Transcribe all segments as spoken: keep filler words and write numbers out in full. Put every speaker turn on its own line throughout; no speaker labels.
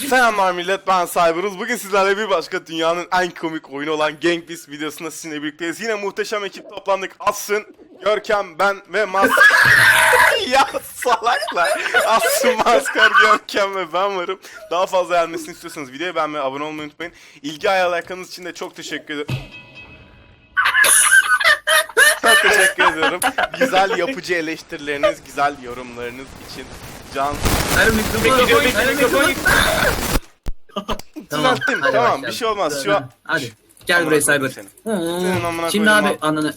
Selamlar millet, ben Cyberuz. Bugün sizlerle bir başka dünyanın en komik oyunu olan Gang Beasts videosunda sizinle birlikteyiz. Yine muhteşem ekip toplandık. Asın, Görkem, ben ve Mas... ya salaklar. Asın, Maskar, Görkem ve ben varım. Daha fazla gelmesini istiyorsanız videoyu beğenmeyi, abone olmayı unutmayın. İlgi alakanız için de çok teşekkür ederim. Çok teşekkür ediyorum. Güzel yapıcı eleştirileriniz, güzel yorumlarınız için. Can...
Hayır mikrofon, hayır mikrofon.
Tamam,
hadi
tamam
başlayalım.
bir şey olmaz. Şu an...
Hadi gel buraya Cyber.
Senin amına
Şimdi
koydum
abi
abi.
ananı.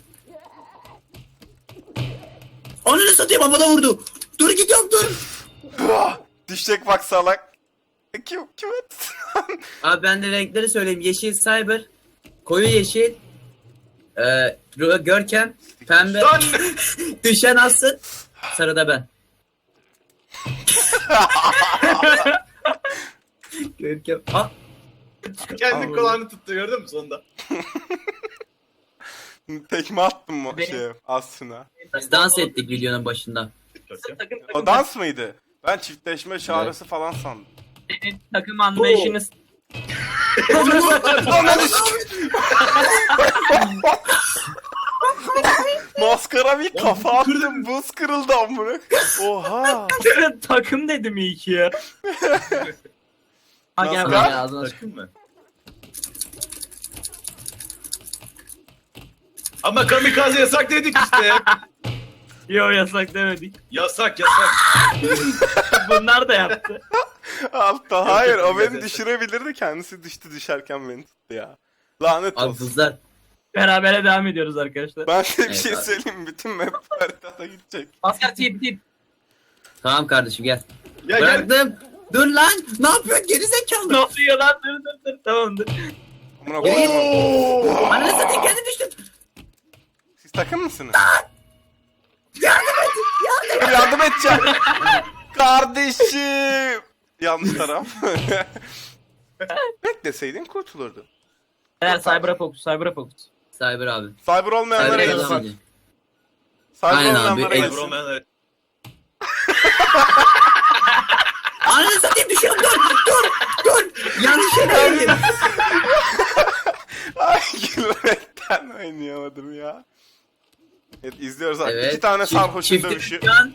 Ananı satayım, havada vurdu. Dur gidiyorum dur.
Ah, düşecek bak salak. Kim kim attı?
Abi ben de renkleri söyleyeyim. Yeşil Cyber, koyu yeşil, e, Görkem, pembe, düşen Aslı, sarı da ben. Görkem. Ah.
Kendi kulağını tuttu, gördün mü sonunda?
Tekme attım mı
Benim-
şey aslında.
Biz dans ettik videonun başında.
O dans mıydı? Ben çiftleşme çağrısı falan sandım.
Senin takım anlayışınız
Ananı sikeyim. Maskara bir kafa attım, buz kırıldı amına. Oha.
takım dedim iyi ki ya. Ha gel
Nasıl?
buraya.
Ya, ağzına sık-
Takım mı? Ama kamikaze yasak dedik işte.
Yo yasak demedik.
Yasak yasak.
Bunlar da yaptı.
Altta hayır o beni
Neyse.
düşürebilirdi, kendisi düştü düşerken beni tuttu ya. Lanet
Abi
olsun.
kızlar.
Berabere devam ediyoruz arkadaşlar.
Ben size bir
Evet
şey
abi.
söyleyeyim, bütün map haritada gidecek.
Asker tip tip.
Tamam kardeşim gel.
Ya gel.
Bıraktım. Dur lan. Ne yapıyorsun geri
Ne
zekalı?
oluyor lan? Dur dur dur. Tamamdır.
Amına koyayım.
Oo!
Ananı satayım, kendi düştüm.
Siz takım mısınız? Dur, yardım edeceğim. Kardeşim. Yanlış taraf. Bekleseydin kurtulurdu.
Eğer Cyber'a fokus, Cyber'a fokus.
Cyber abi.
Cyber olmayanlara
Cyber
gitsin.
adam.
Cyber
Aynen abi,
olmayanlara
el-
Cyber
gitsin.
olmayanlar-
Ananı satayım, düşüyorum, dur dur dur. Yanlış yere girdim.
Ay gülmekten oynayamadım ya. Evet izliyoruz abi.
Evet.
İki tane
çift-
sarhoşun
çifti
dövüşü.
düşen.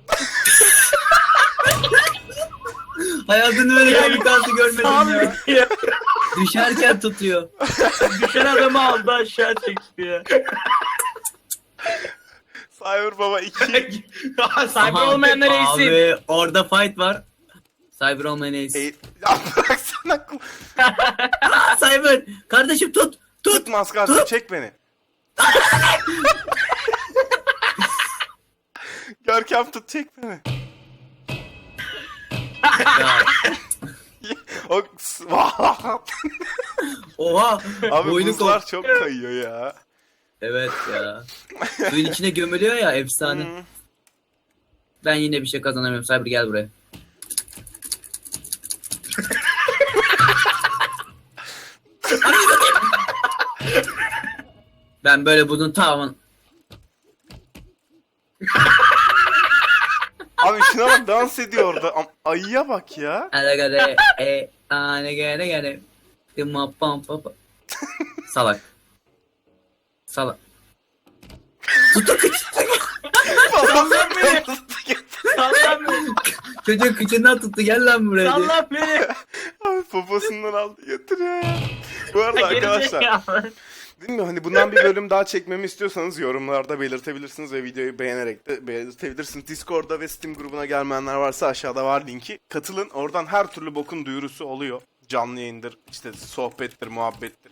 Hayatımda böyle kamikaze görmedim ya.
Abi ya.
Düşerken tutuyor.
Düşen adamı aldı aşağı çekti ya.
Cyber baba iki.
Cyber olmayanlar eğilsin.
Abi orada fight var. Cyber olmayan ace.
Ey, ya bıraksana.
Aa, Cyber. Kardeşim tut. Tut.
Tut maskar, çek beni. Görkem tut, çek beni.
Ya,
O
oha.
abi
boynu
buzlar
kop-
çok kayıyor ya.
Evet ya. Suyun içine gömülüyor ya, efsane.
Hı.
Ben yine bir şey kazanamıyorum. Cyber gel buraya. Ben böyle bunun tamamını...
Abi şuna bak, dans ediyor orada. Am- Ayıya bak ya.
Alagare e ane gene gene. Tıma pam pam pam. Salak. Salak. Tutu kıç.
Sallan beni. Sallan beni.
Çocuğun kıçından tuttu, gel lan buraya diye.
Sallan beni.
Abi poposundan aldı götürüyor ya. Bu arada arkadaşlar,
Gerizekalı.
değil mi? Hani bundan bir bölüm daha çekmemi istiyorsanız yorumlarda belirtebilirsiniz ve videoyu beğenerek de belirtebilirsiniz. Discord'da ve Steam grubuna gelmeyenler varsa aşağıda var linki. Katılın. Oradan her türlü bokun duyurusu oluyor. Canlı yayındır, işte sohbettir, muhabbettir.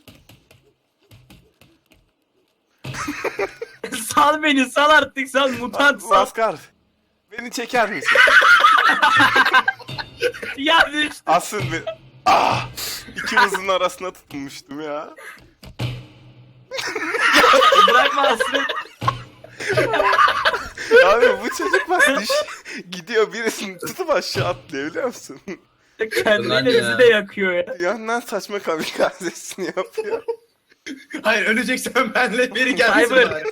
Sal beni, sal artık, sal mutant sal.
Maskar, beni çeker misin?
Ya düştü.
Aslında beni... Ah! İkimizin arasına tutunmuştum ya.
Bırakma Aslı.
Abi bu çocuk bak düş... gidiyor, birisini tutup aşağı atlıyor, biliyor musun?
Ulan
Kendiyle
ya.
bizi de yakıyor ya.
Yandan saçma kamikazesini yapıyor.
Hayır, öleceksen benle biri gelsin
Cyber.
bari.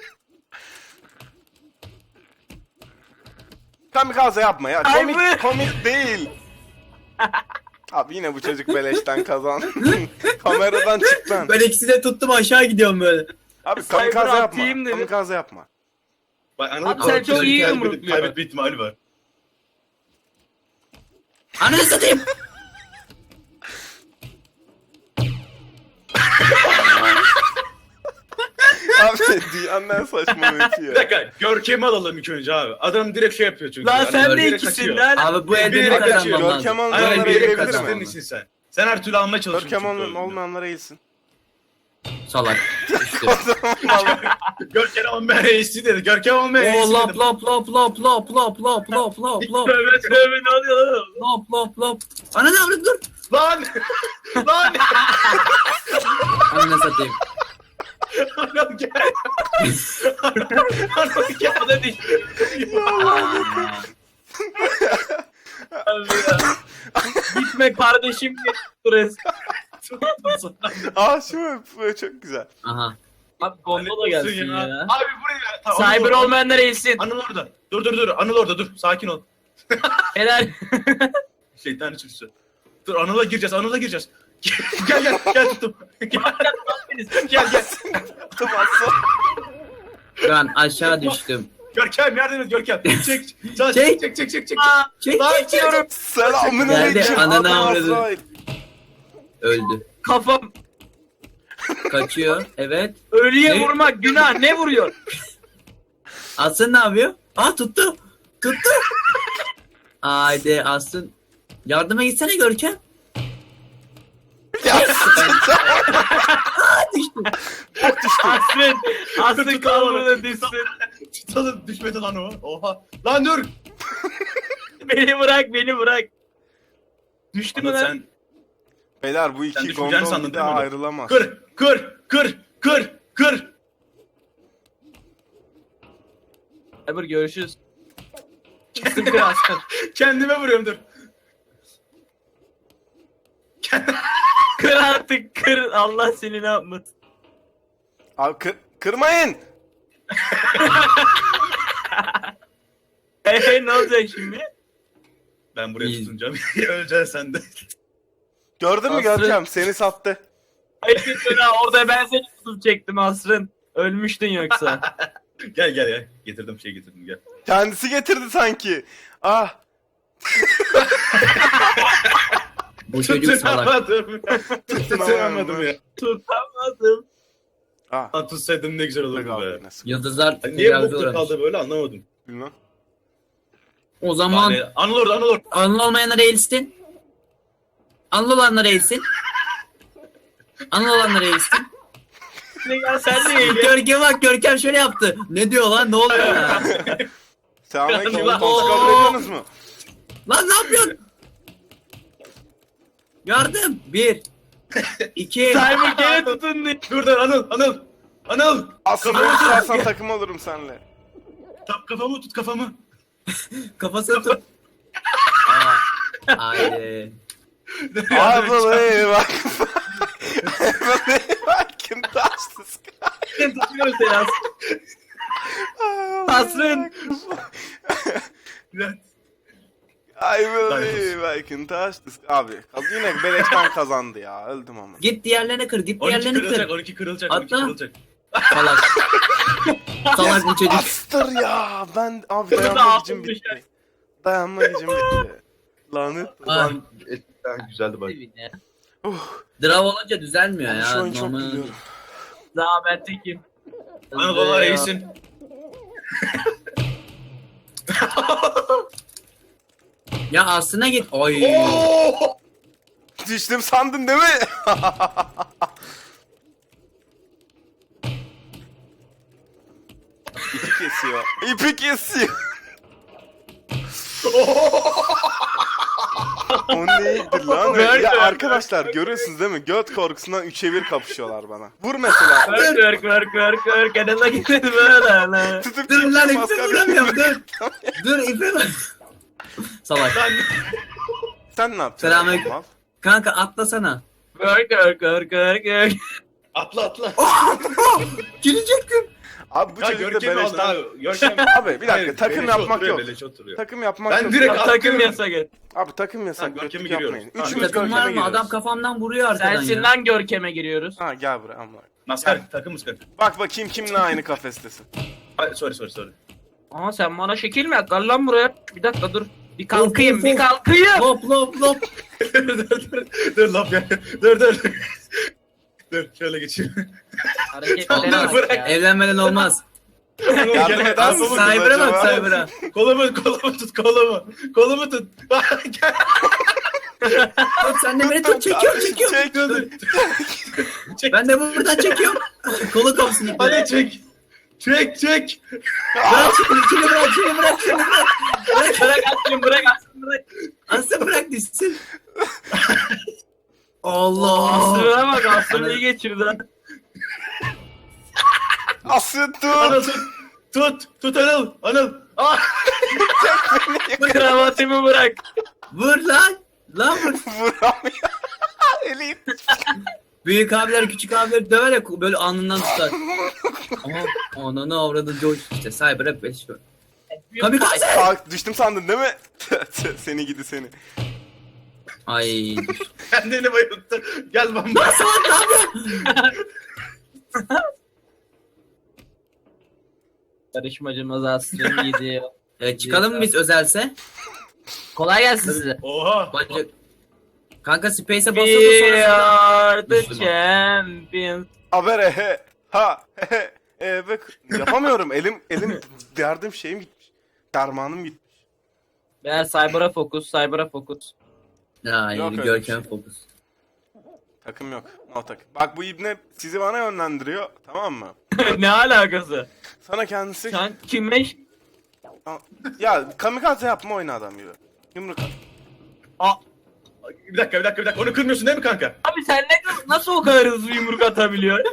Kamikaze yapma ya.
Ay
Komik,
be.
komik değil. Abi yine bu çocuk beleşten kazandı. Kameradan çık lan.
Ben ikisini de tuttum aşağı gidiyorum böyle.
Abi
Cyber
kamikaze yapma.
atayım dedi.
Kamikaze yapma.
Bak, anladın
Abi
mı?
sen çok iyi
Kaybedip-
yumrukluyorsun.
Kaybetme ihtimali var.
Ananı satayım.
Abi dünyanın en saçma oyuncu
Bir
ya.
dakika, Görkem'i alalım ilk önce abi. Adam direkt şey yapıyor çünkü.
Lan
Yani
sen de
direkt
ikisin
kaçıyor.
lan.
Abi bu elde
Bir-
bir
bir-
kazanmam lazım.
Görkem
Aynen,
olmayanlara
bir yere
eğilebilir
kaçtığın
mi?
için sen. Sen her türlü almaya çalışıyorsun.
Görkem
çünkü
ol-
oyunu.
olmayanlara eğilsin.
Salak. İşte.
Görkem olmayan reisi dedi. Görkem olmayan reisi
Oo lap
dedim.
lap lap lap lap lap lap lap lap lap.
Tövbe tövbe ne oluyor lan?
Lap lap lap. Ananı avradım dur.
Lan! Lan!
Ananı satayım.
Anam gel. Anam gel.
O da düştü. Abi ya. Gitme kardeşim. Stres.
Aa şu bu çok güzel.
Aha.
Abi gondola gelsin ya.
Abi buraya. Tamam, Anıl
Cyber
orada.
olmayanlar eğilsin.
Anıl orada. Dur dur dur. Anıl orada dur. Sakin ol.
Helal.
Şeytan içirisi. Dur Anıl'a gireceğiz. Anıl'a gireceğiz. gel gel gel tuttum. Gel gel gel.
Tımasın.
Ben aşağı düştüm.
Görkem yardım et Görkem. Çek. Sağ
Çek.
çek çek çek çek. çek.
Çek
Lan
çek çek.
diyorum.
Selamün
Geldi,
aleyküm.
ananı
Adam
avradı.
Azrail.
Öldü.
Kafam.
Kaçıyor. Evet.
Ölüye
Ne?
vurmak günah. Ne vuruyor?
Aslı ne yapıyor? Aa tuttu. Tuttu. Haydi Aslı. Yardıma gitsene Görkem. Aa düştüm.
Asrın. Asrın
Tut
kalbine düşsün.
Tutalım düşmedi lan o. Oha. Lan dur.
Beni bırak beni bırak. Düştü mü
Anıl
lan?
sen
Beyler bu
Sen
iki
düşeceğini
gondol
sandın
bir
değil
daha
mi?
ayrılamaz.
kır kır kır kır kır.
Cyber görüşürüz. Sıkı aslan.
Kendime vuruyorum dur.
Kır artık kır. Allah seni ne yapmasın.
Abi kır, kırmayın.
Eee ne olacak şimdi?
Ben buraya
İyi.
tutunacağım. Öleceksin sen de.
Gördün mü
Aslı-
Görkem? Seni sattı.
Hayır ha orada ben seni tutup çektim Asrın. Ölmüştün yoksa.
Gel gel ya. Getirdim şey getirdim gel.
Kendisi getirdi sanki. Ah.
Bu çocuk salak.
Tutunamadım. Tutunamadım ya.
Tutamadım.
Ah.
Lan tutsaydım ne güzel olurdu
Abi,
be.
nasıl?
Yıldızlar
Ay, Niye
tecavüze
bokta
uğramış.
kaldı böyle anlamadım.
Bilmem.
O zaman
Yani, Anıl orada Anıl orada.
anlı olmayanlar eğilsin. Anlı olanlar eğilsin. Anlı olanlar eğilsin.
Ne gel sen de eğil.
Görkem bak Görkem şöyle yaptı. Ne diyor lan ne oluyor ya?
Selamünaleyküm.
Allah.
Kontrol kabul ediyorsunuz mu?
Lan ne yapıyorsun? Yardım. Bir. iki.
Cyber gene tutundu.
Dur dur Anıl Anıl. Anıl.
Aslında
Kafamı tut.
istersen takım olurum seninle.
Tap kafamı tut kafamı.
Kafasını tut. Aa. Haydi.
I believe I can I believe I can touch the sky.
Ben tutuyorum seni Asrın. Asrın.
I believe I can touch the sky. Abi kaz- yine beleşten kazandı ya. Öldüm ama.
Git diğerlerine kır. Git
on iki
diğerlerine
kırılacak
kır.
on iki kırılacak on iki
Atla.
kırılacak.
Salak. Salak bu çocuk.
Bastır ya. Ben abi
Bunu da
dayanma gücüm
altın
bitti.
düşer.
Dayanma gücüm bitti. Lanet.
Aa.
Eskiden güzeldi bak.
Uh,
Drav olunca düzelmiyor
ben
ya.
şu an çok
Normal-
biliyorum.
Daha ben tekim.
Anıl baba reisin.
Ya aslına git. Oy.
Oo!
Düştüm sandın değil mi? İpi kesiyor. İpi kesiyor. O neydi lan?
Ver,
Ya
ver,
arkadaşlar görüyorsunuz değil mi? Göt korkusundan üçe bir kapışıyorlar bana. Vur mesela.
Kör kör kör kör kör. Kenara gitmedi böyle lan.
Tutup
Dur lan ipi
maskar
vuramıyorum
yapıyor.
dur. Dur ipi bak. Salak.
Lan
Sen ne yapacaksın?
Selamünaleyküm.
Mal?
Kanka atlasana.
Kör kör kör kör kör.
atla atla.
Girecektim.
Abi bu
Ya
çocuk da
Görkem'i alın
beleşten...
abi. Görkem.
Abi bir dakika
Hayır,
takım
beleş
yapmak
oturuyor,
yok.
beleş oturuyor.
Takım yapmak
Ben
yok.
direkt
Abi,
attım.
Takım yasak et.
abi takım yasak.
Tamam, Görkem'e
kötülük
giriyoruz.
yapmayın.
Tamam,
Üçümüz
Takım
Görkem'e
var mı?
giriyoruz.
Adam kafamdan vuruyor arkadan ya.
Sensin lan Görkem'e giriyoruz.
Ha gel buraya amma.
Maskar takımız kanka.
Bak bakayım kimle aynı kafestesin.
Ay, sorry sorry sorry.
Ama sen bana şekil mi yap? Gel lan buraya. Bir dakika dur. Bir kalkayım,
of,
bir
of.
kalkayım.
Lop lop lop.
dur dur dur. Dur laf ya. Dur dur. Dur şöyle geçeyim.
Hareketlere
Dur,
bak
bırak.
ya.
Evlenmeden olmaz.
Yardım eder misiniz
Cyber'a bak
acaba?
Cyber'a.
Kolumu kolumu tut kolumu. Kolumu tut. Gel.
Bak sen de beni tut çekiyorum çekiyorum.
Çek.
Dur, dur. Çek.
Ben de buradan çekiyorum. Kolu kopsun iple.
Hadi çek. Çek çek.
Bırak şimdi, şimdi bırak, şimdi bırak, şimdi bırak. Bırak,
Bırak atsın, bırak atsın, bırak.
Aslı bırak düşsün. Allah.
Aslı'na bak, Aslı'nı iyi geçirdi lan.
Asıl
Anıl
tut.
tut. Tut. Tut Anıl. Anıl. Ah.
Kravatımı bırak.
Vur lan. Lan vur.
Vuramıyor. Eli.
Büyük abiler küçük abiler döver ya böyle alnından tutar. Aha ananı avradı George işte Cyber'a beş gol. Kamikaze.
Kalk düştüm sandın değil mi? Seni gidi seni.
Ay.
Kendini bayılttı. Gel bamba.
Lan salak ne yapıyorsun?
Yarışmacımız Aslı'nı yedi.
E, çıkalım mı biz özelse?
Kolay gelsin size.
Oha.
Bacak. Kanka Space'e basıldı
We
sonra.
are the
Müslüman.
champions.
Haber he. Ha he. E, ve yapamıyorum. Elim elim derdim şeyim gitmiş. Dermanım gitmiş.
Beyler Cyber'a fokus, Cyber'a fokus.
Ya
Yok öyle
Görkem
bir
fokus.
Takım yok. No takım. Bak bu ibne sizi bana yönlendiriyor. Tamam mı?
Ne alakası?
Sana kendisi...
Sen kime?
Ya kamikaze yapma oyna adam gibi. Yumruk at.
Aa. Bir dakika bir dakika bir dakika. Onu kırmıyorsun değil mi kanka?
Abi sen ne, nasıl o kadar hızlı yumruk atabiliyorsun?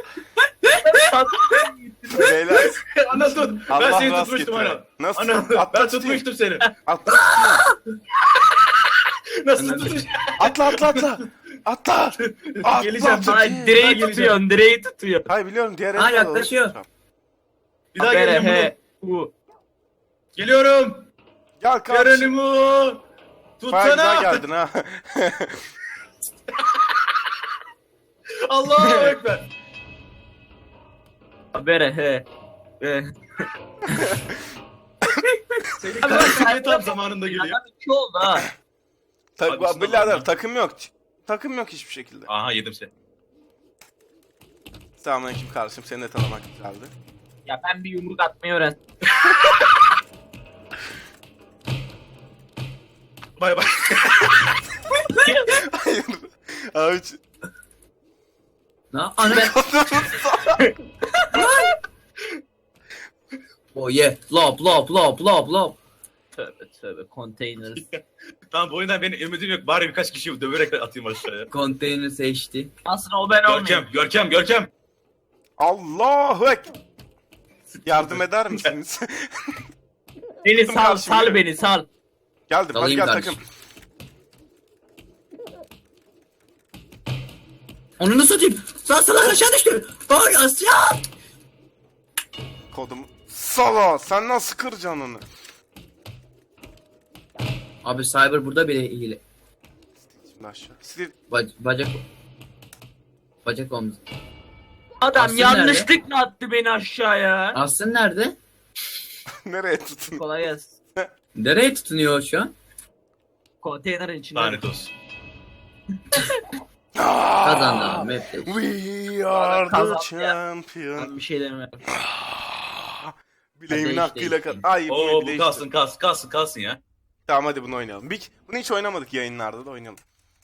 Beyler.
Anıl tut. Ben
Allah
seni
rast
tutmuştum
getire.
Anıl.
Nasıl?
Anıl
Atla
ben
tutayım.
tutmuştum seni.
Atla.
Nasıl tutmuş?
Atla atla atla. Atla. Atla.
Geleceğim.
Çok
Ay
iyi.
direği
geleceğim.
tutuyorsun, direği tutuyor.
Hayır biliyorum diğer
Ha,
elde
yaklaşıyor.
olur.
Bir daha
Habere
geleceğim
he.
bunu.
Bu.
Geliyorum.
Gel karşı.
Geronimo.
Bayağı güzel
Tutsana.
geldin ha.
Allahu Ekber.
Habere he. He.
Senin kardeşin tam zamanında geliyor.
Adam iki oldu ha.
Tak,
Abi, şuna
birader
bak.
takım yok. Takım yok hiçbir şekilde.
Aha yedim seni.
Selamünaleyküm kardeşim. Seni de tanımak güzeldi.
Ya ben bir yumruk atmayı öğren.
Bay bay.
Hayır. Abi.
Ne? Ana. Oh yeah. Lop lop lop lop lop.
Tövbe tövbe container.
Tamam bu oyundan benim ümidim yok. Bari birkaç kişiyi döverek atayım aşağıya.
Konteyner seçti.
Aslında o ben olmayayım.
Görkem, Görkem, Görkem.
Allahu Ekber. Yardım eder misiniz?
Beni sal,
Karşı
sal
yürü.
beni sal.
Geldim. Hadi
Alayım
gel
kardeşim.
takım.
Onu nasıl atayım? Lan salak aşağı düştü. Ay Asya.
Kodum. Sala. Sen nasıl kıracaksın onu?
Abi Cyber burada bile iyi.
Şimdi aşağı. Steve.
Bac bacak. Bacak omuz.
Adam
Aslı
yanlışlıkla attı beni aşağıya.
Aslı nerede?
Nereye tutun?
Kolay gelsin.
Nereye tutunuyor şu an?
Konteynerin içinde.
Lanet olsun.
Kazandı abi. Hep de.
We are the
Kazandı ya.
champion.
Ben bir şey demiyorum.
Bileğimin
Hadi
hakkıyla
işte.
kat. Ay
Oo
bu
bu
bile
kalsın
işte.
kalsın kalsın kalsın ya.
Tamam hadi bunu oynayalım. Bir, bunu hiç oynamadık yayınlarda da oynayalım.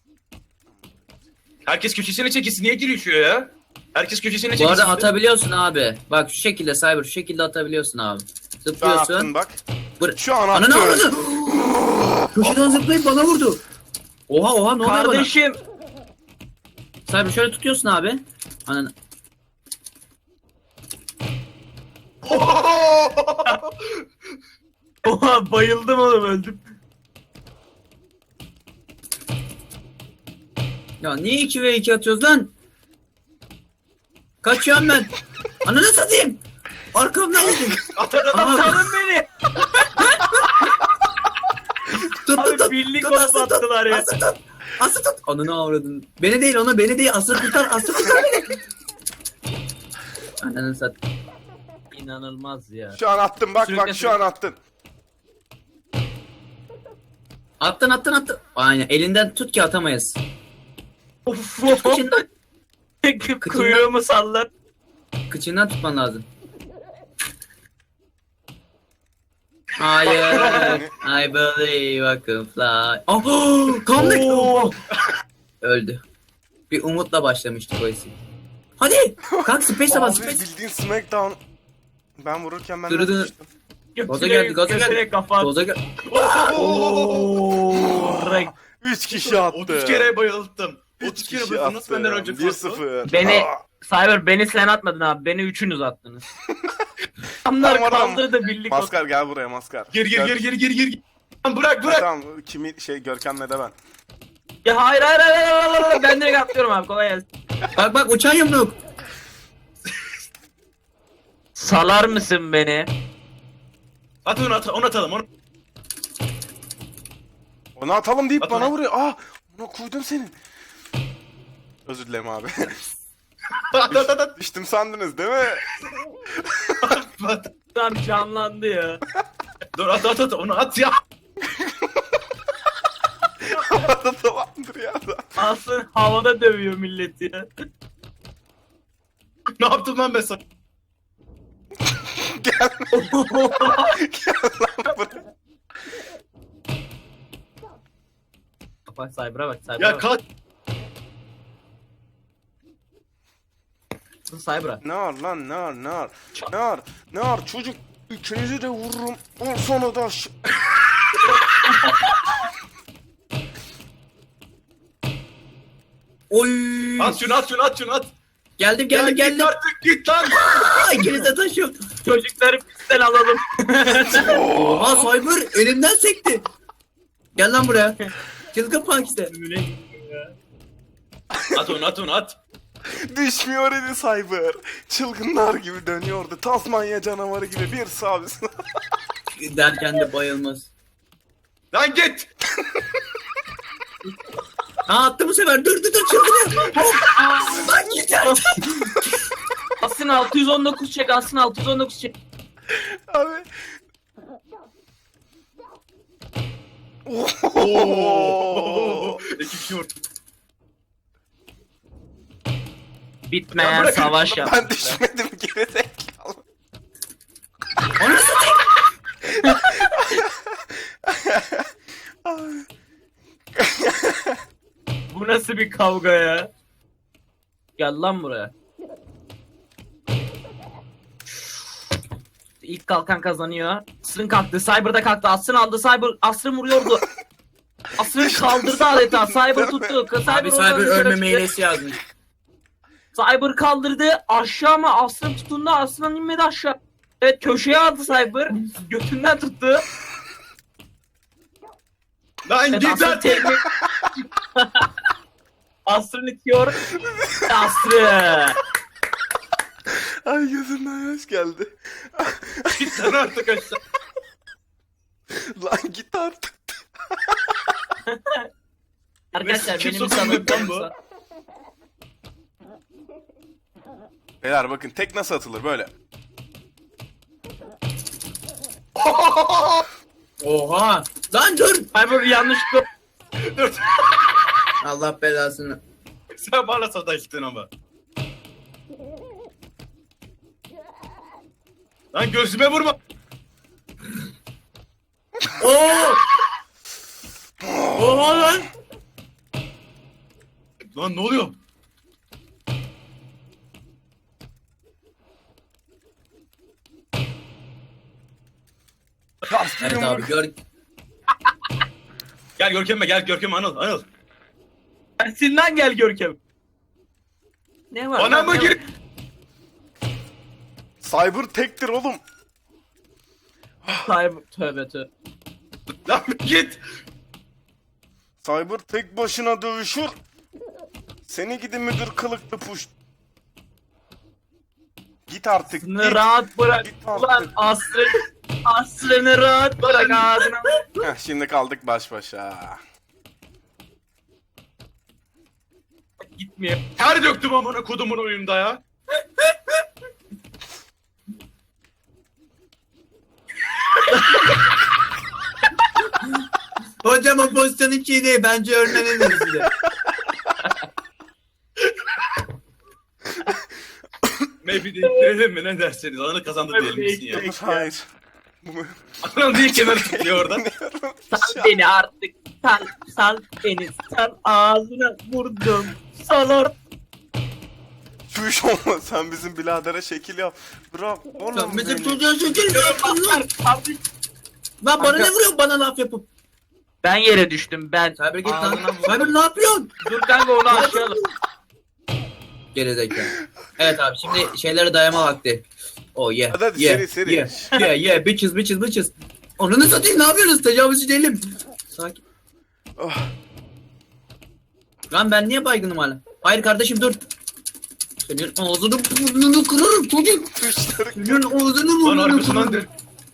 Herkes köşesine çekilsin. Niye girişiyor ya? Herkes köşesine
Bu
çekilsin.
arada atabiliyorsun abi. Bak şu şekilde Cyber şu şekilde atabiliyorsun abi.
Şu an
Zıplıyorsun.
attın bak.
Bır-
Şu an
Ananı
attın.
avradı. Köşeden zıplayıp bana vurdu. Oha oha ne oluyor bana?
Kardeşim.
Cyber şöyle tutuyorsun abi. Ananı.
Oha bayıldım oğlum öldüm.
Ya niye iki ve iki atıyoruz lan? Kaçıyorum ben. Ananı satayım. Arkamdan gidin.
At at at.
Aa,
Salın beni.
Tut tut
Abi
tut.
birlik
Tut,
olup
Aslı tut.
attılar ya.
Aslı tut. Aslı tut. Ananı avradın. Beni değil onu beni değil. Aslı tutar. Aslı tutar beni. Ananı sat.
İnanılmaz ya.
Şu an attın bak
Sürükle,
bak şu an attın.
Attın attın attın. Aynen elinden tut ki atamayız.
Of.
Kıçından,
Kuyruğumu sallar.
kıçından tutman lazım. Hayır. I believe I can fly. Oh, kandık.
Oo.
Öldü. Bir umutla başlamıştık o isim. Hadi. Kalk space'e bas
Abi
space.
bildiğin Smackdown. Ben vururken ben
Dırı dırı.
düştüm.
Gaza geldi, gaza
Götüne
geldi.
kafa at.
Doza gel.
Oo. Renk.
Üç kişi attı.
otuz kere bayılttım.
Üç
otuz kere
kişi
bayılttım. Nasıl benden önce
bir
fazla?
sıfır.
Beni
Aa,
Cyber beni sen atmadın abi. Beni üçünüz attınız. Adamlar
Tamam, tamam.
kaldırdı birlik olsun.
Maskar gel buraya Maskar.
Gir gir
Gör-
gir gir gir gir. Lan bırak
Ha,
bırak.
Tamam kimi şey Görkem'le de ben.
Ya hayır hayır hayır hayır, hayır, hayır. Ben direkt atlıyorum abi kolay gelsin.
Bak bak uçan yumruk.
Salar mısın beni?
At onu at onu atalım onu.
Onu atalım deyip
At
bana
onu.
vuruyor. Aa onu koydum senin. Özür dilerim abi.
At at at at.
Düştüm sandınız değil mi?
At.
Tam canlandı ya.
Dur at at at onu at ya.
Havada tamamdır ya da.
Aslında havada dövüyor milleti ya.
Ne yaptım lan ben sana?
Gel. Gel lan buraya.
Bak Cyber'a bak Cyber'a
Ya
bak.
kalk.
Cyber'a.
Nar lan nar nar. Nar nar çocuk. İkinizi de vururum. On sonra da aş-
Oy.
At şunu at şunu at şunu at.
Geldim
Ya
geldim
git
geldim.
artık git lan.
Ay, İkiniz de taşıyorum.
Çocukları pistten alalım.
Oha Cyber elimden sekti. Gel lan buraya. Çılgın punk işte.
At onu at onu at.
Düşmüyor idi Cyber. Çılgınlar gibi dönüyordu. Tasmanya canavarı gibi bir sağ bir sağ.
Derken de bayılmaz.
Lan git.
Ha attı bu sefer. Dur dur dur çılgınıyor. Hop. Lan yeter.
Asın altı yüz on dokuz çek Asın altı yüz on dokuz çek.
Abi. Oo.
Oo. İki kişi vurdu.
Bitmeyen
Ya bırakın.
savaş yap.
Ben düşmedim gerizekalı.
Onu satayım.
Bu nasıl bir kavga ya? Gel lan buraya. İlk kalkan kazanıyor. Asrın kalktı. Cyber da kalktı. Asrın aldı. Cyber Asrın vuruyordu. Asrın kaldırdı adeta. Cyber tuttu. Cyber
Abi
oradan
Cyber
dışarı
ölme
çıktı.
meylesi yazmış.
Cyber kaldırdı. Aşağı mı? Asrın tutundu. Asrın inmedi aşağı. Evet köşeye aldı Cyber. Götünden tuttu.
Lan
Evet,
git
Asrın
artık.
tekme... Asrın itiyor. Asrın.
Ay gözümden yaş geldi.
Git lan artık aşağı.
Lan git artık.
Arkadaşlar
Kim
benim
sokuyor
sanırım
lan bu?
Beyler bakın tek nasıl atılır böyle.
Oha. Lan dur.
Cyber yanlışlıkla
Dur.
Allah belasını.
Sen bana sataştın ama. Lan gözüme vurma.
Oo. Oha lan.
Lan ne oluyor?
Evet abi gör.
Gel Görkem'e gel Görkem'e Anıl Anıl.
Tersinden gel Görkem. Ne var?
Bana
lan,
mı
ne
gir?
var?
Cyber tektir oğlum.
Cyber tövbe tövbe.
Lan git.
Cyber tek başına dövüşür. Seni gidi müdür kılıklı puş. git artık.
Asrını
Git.
rahat bırak.
Git
Ulan
artık.
Asrın. Asrını rahat bırak ağzına.
Heh, şimdi kaldık baş başa.
Gitmiyor.
Ter döktüm amına kodumun oyunda ya.
Hocam o pozisyon hiç iyi değil. Bence öğrenelim size.
Maybe değiştirelim mi ne derseniz. Ananı kazandı diyelim misin ya.
Hayır.
Ananı diye kenar tutuyor orada.
Sal beni artık. Sal, sal beni. Sal ağzına vurdum. Sal or.
Çüş olma, sen bizim biradere şekil yap. Bırak oğlum
Sen bizim
beni.
çocuğa şekil yapıyorsun lan.
Abi,
Lan bana ne vuruyorsun bana laf yapıp?
ben yere düştüm ben.
Cyber git lan.
Ağzına vurdum.
Cyber ne yapıyorsun?
Dur kanka onu aşağıya.
Gerizekalı. Evet abi şimdi şeylere dayama vakti. Oh yeah.
Hadi hadi,
yeah,
seri, seri.
Yeah yeah yeah bitches bitches bitches. Onu ne satayım ne yapıyorsunuz? Tecavüzcü değilim. Sakin.
Oh,
Lan ben niye baygınım hala? Hayır kardeşim dur. Senin ağzını burnunu kırarım çocuk.
tuşları.
Senin ağzını
Lan
burnunu
arkasından
kırarım.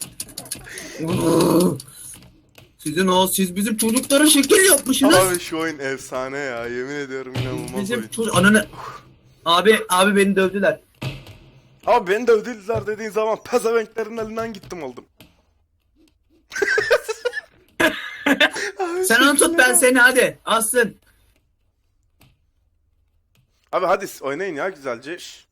dön.
Sizin o siz bizim çocuklara şekil yapmışsınız.
Abi şu oyun efsane ya, yemin ediyorum inanılmaz
Bizim
oyun.
çocuk ananı. Abi abi beni dövdüler.
Abi beni de ödediler dediğin zaman pezevenklerin elinden gittim oldum. Abi,
Sen onu tut ben seni hadi. Alsın.
Abi hadi oynayın ya güzelce. Şş.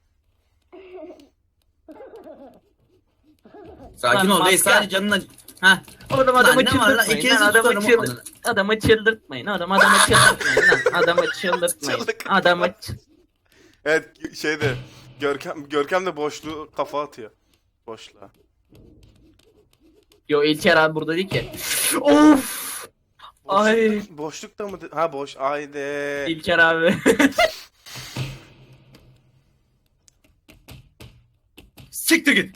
Sakin
Lan
ol reis
maske.
sadece canına. Heh.
Oğlum
Lan
adamı
ne var lan?
çıldırtmayın
İkinizi
lan adamı
tutarım
çıldır
oğlum.
adamı çıldırtmayın adam adamı çıldırtmayın lan adamı çıldırtmayın
Çıldık.
adamı ç-
Evet şeyde Görkem Görkem de boşluğu kafa atıyor. Boşluğa.
Yo İlker abi burada değil ki. Of Ay.
Boşluk- Boşlukta mı? de- Ha boş. Haydi.
İlker abi.
Siktir git.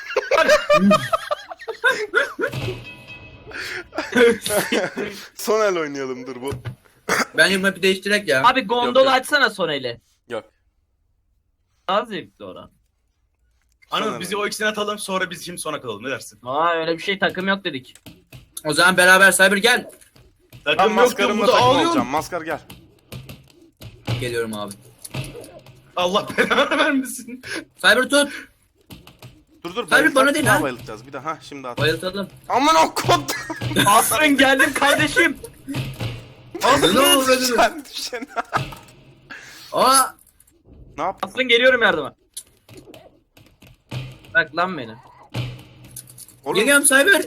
Son el oynayalım dur bu.
Bence map'i değiştirek ya.
Abi gondolu
yok.
açsana son eli.
Yok.
Daha zevkli oran.
Anıl bizi o ikisini atalım sonra biz şimdi sona kalalım ne dersin?
Aa öyle bir şey takım yok dedik.
O zaman beraber Cyber gel.
Ben
Takım yok
maskarımla
burada
takım
ağlıyorum.
olacağım. Maskar gel.
Geliyorum abi.
Allah belanı vermesin.
Cyber tut.
Dur dur.
Hayır,
bayılacağız,
bana değil
bir daha
ha.
bayılacağız. Bir daha ha şimdi at.
Bayıltalım.
Aman o kod.
Asrın geldim kardeşim.
Ne oldu?
Sen düşen.
Aa.
Ne yap?
Asrın geliyorum yardıma. Bak lan beni.
Oğlum
Geliyorum Cyber.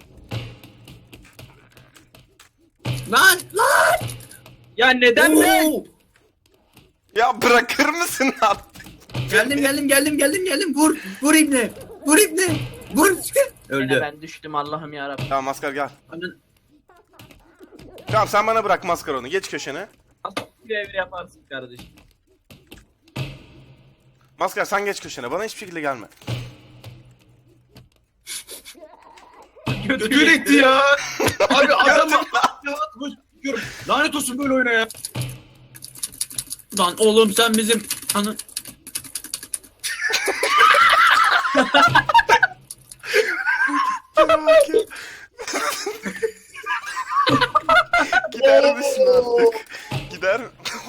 Lan lan.
Ya neden be?
Oo.
ya bırakır mısın artık?
Geldim geldim geldim geldim geldim. Vur. Vur ibne. Vur ibne. Vur.
Yine
Öldü.
ben düştüm Allah'ım yarabbim.
Tamam maskar gel.
Anın-
Tamam sen bana bırak maskar onu. Geç köşene.
Görev yaparsın kardeşim.
Maskar sen geç köşene. Bana hiçbir şekilde gelme.
Götür etti ya. Abi adamı atmış. Diyorum. Lanet olsun böyle oyuna ya.
Lan oğlum sen bizim anı.
Gider misin artık? Gider.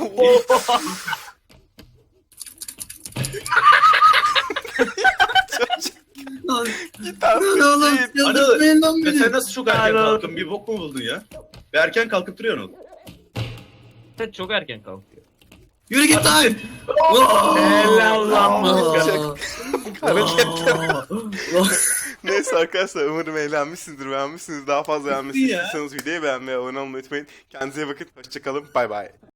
Lan,
Git artık.
lan oğlum
git.
çıldırtmayın lan
Ya
beni.
sen nasıl çok erken
Alo.
kalktın? Bir bok mu buldun ya? Bir erken kalkıp duruyorsun oğlum.
Sen çok erken kalkıyor.
Yürü git lan.
Helal lan
Aa.
Hareketler.
Aa.
Neyse arkadaşlar umarım eğlenmişsinizdir, beğenmişsiniz. Daha fazla beğenmişsiniz.
ya.
İstiyorsanız videoyu beğenmeyi, abone olmayı unutmayın. Kendinize iyi bakın. Hoşçakalın. Bay bay.